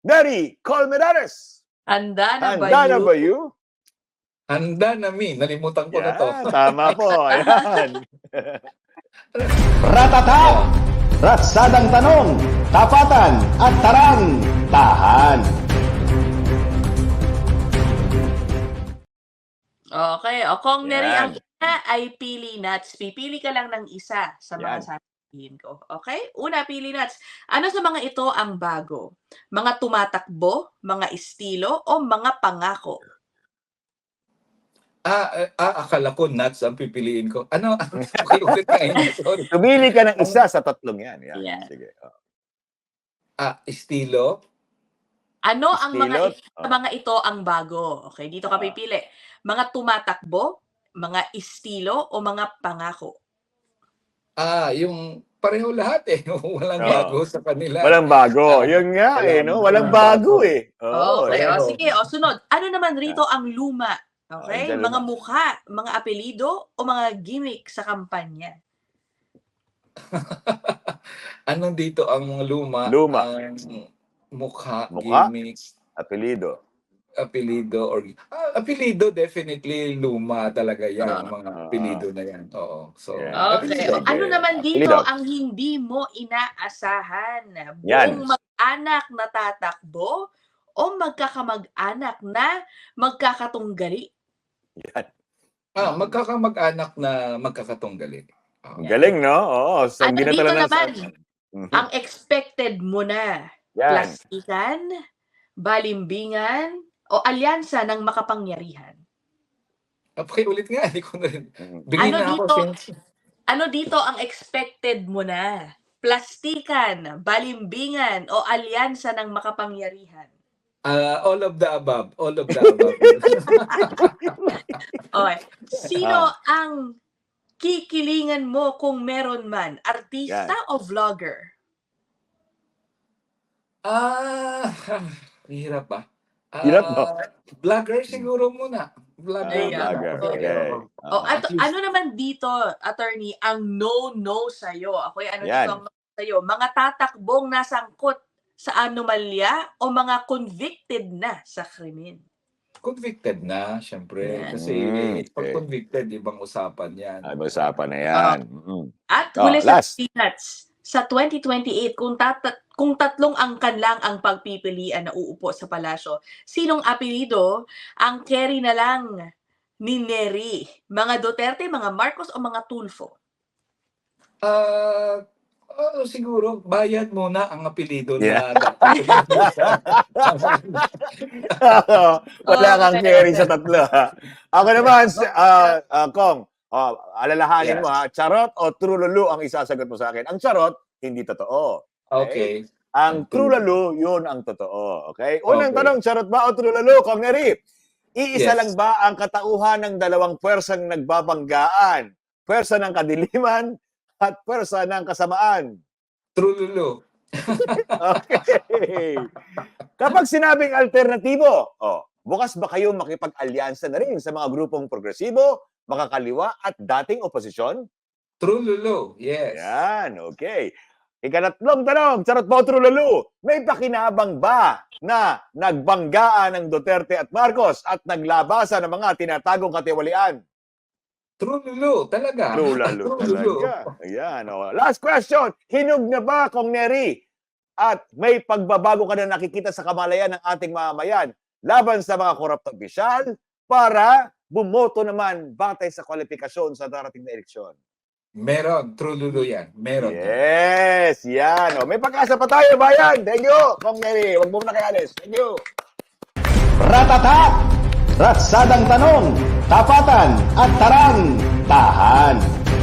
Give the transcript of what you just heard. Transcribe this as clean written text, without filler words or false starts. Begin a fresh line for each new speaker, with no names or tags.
Neri Colmenares.
Handa na ba
Handa na
you?
ba you?
Handa na, Mi. Nalimutan ko na to.
Tama po. Ayan.
Ratata! Ratsadang tanong, tapatan at tarang, tahan.
Okay. O kung Neri,
Yan.
ang una ay pili nuts. Pipili ka lang ng isa sa mga
Yan.
sasabihin ko. Okay? Una, pili nuts. Ano sa mga ito ang bago? Mga tumatakbo, mga estilo, o mga pangako?
Akala ko nuts ang pipiliin ko. Ano? Okay, ulit na yun. Sorry.
Tumili ka ng isa sa tatlong yan. Yan.
Yan.
Sige.
Estilo.
Ano ang mga
Estilot?
sa mga ito ang bago? Okay, dito ka pipili. Mga tumatakbo, mga estilo, o mga pangako?
Yung pareho lahat eh. Walang
Oo.
bago sa kanila.
Walang bago. Yun nga no? Walang bago eh.
Okay,
pareho.
sige. Sunod. Ano naman rito ang luma? Okay?
dyan
Mga
luma.
mukha, mga apelido, o mga gimmick sa kampanya?
Anong dito ang mga luma?
Luma.
Mukha,
Mukha?
gimmicks,
Apelido.
apelido, apelido definitely luma talaga yan. Mga
Ah.
apelido na yan. Oo. So,
Yeah.
Okay.
apelido.
Ano naman dito
Apelido.
ang hindi mo inaasahan?
Yan.
Buong mag-anak na tatakbo o magkakamag-anak na magkakatunggali?
Yan.
Magkakamag-anak na magkakatunggali.
Ang galing, no? Oo. So,
Ano
hindi na
dito
talaga
naman?
Mhm.
Ang expected mo na?
Yan.
Plastikan, balimbingan, o alyansa ng makapangyarihan?
Ulit nga. Hindi ko na rin.
Mhm.
Bigyan
Ano
na ako
dito?
since...
Ano dito ang expected mo na? Plastikan, balimbingan, o alyansa ng makapangyarihan?
all of the above. All of the above.
Okay. Sino ang kikilingan mo kung meron man? Artista o vlogger?
Hirap ba?
Hirap, no?
Vlogger siguro muna. Vlogger.
Ayan.
Vlogger. Okay.
Ano naman dito, attorney, ang no-no sa'yo? Ako ano
Yan.
dito ang no sa'yo? Mga tatakbong nasangkot sa anomalya o mga convicted na sa krimen?
Convicted na, syempre.
Yan.
Kasi pag
Okay.
convicted, ibang usapan yan.
Ay, usapan na yan. Mhm.
At huli sa
last.
peanuts, sa 2028, kung tatlong angkan lang ang pagpipilian na uupo sa palasyo, sinong apelido ang carry na lang ni Neri? Mga Duterte, mga Marcos, o mga Tulfo?
Siguro, bayad muna ang apelido
Yeah.
na
Wala kang
Okay.
carry sa tatlo. Ha? Ako naman, Kong, alalahanin
Yes.
mo ha, charot o true lulu ang isasagot mo sa akin. Ang charot, hindi totoo.
Okay.
Ang true lulu, yun ang totoo. Okay? Unang
Okay.
tanong, charot ba o true lulu, Kong Neri? Iisa
Yes.
lang ba ang katauhan ng dalawang pwersang nagbabanggaan? Pwersa ng kadiliman at pwersa ng kasamaan.
True Lulu.
Okay. Kapag sinabing alternatibo, bukas ba kayo makipag-alyansa na rin sa mga grupong progresibo, makakaliwa at dating oposisyon?
True Lulu. Yes.
Yan, okay. Ikatatlong tanong, charot po, true lulu, may pakinabang ba na nagbanggaan ng Duterte at Marcos at naglabasan ng mga tinatagong katiwalian?
True Lulu. Talaga.
True lalo talaga. Ayan, Last question, hinog na ba, Kong Neri? At may pagbabago ka na nakikita sa kamalayan ng ating mamamayan laban sa mga korupto opisyal para bumoto naman batay sa kwalifikasyon sa darating na eleksyon?
Meron. True Lulu yan. Meron.
Yes, yan. May pag-asa pa tayo, bayan. Thank you, Kong Neri. Huwag mo na kayalis. Thank you.
Ratata! Ratsadang tanong, tapatan at tarang, tahan.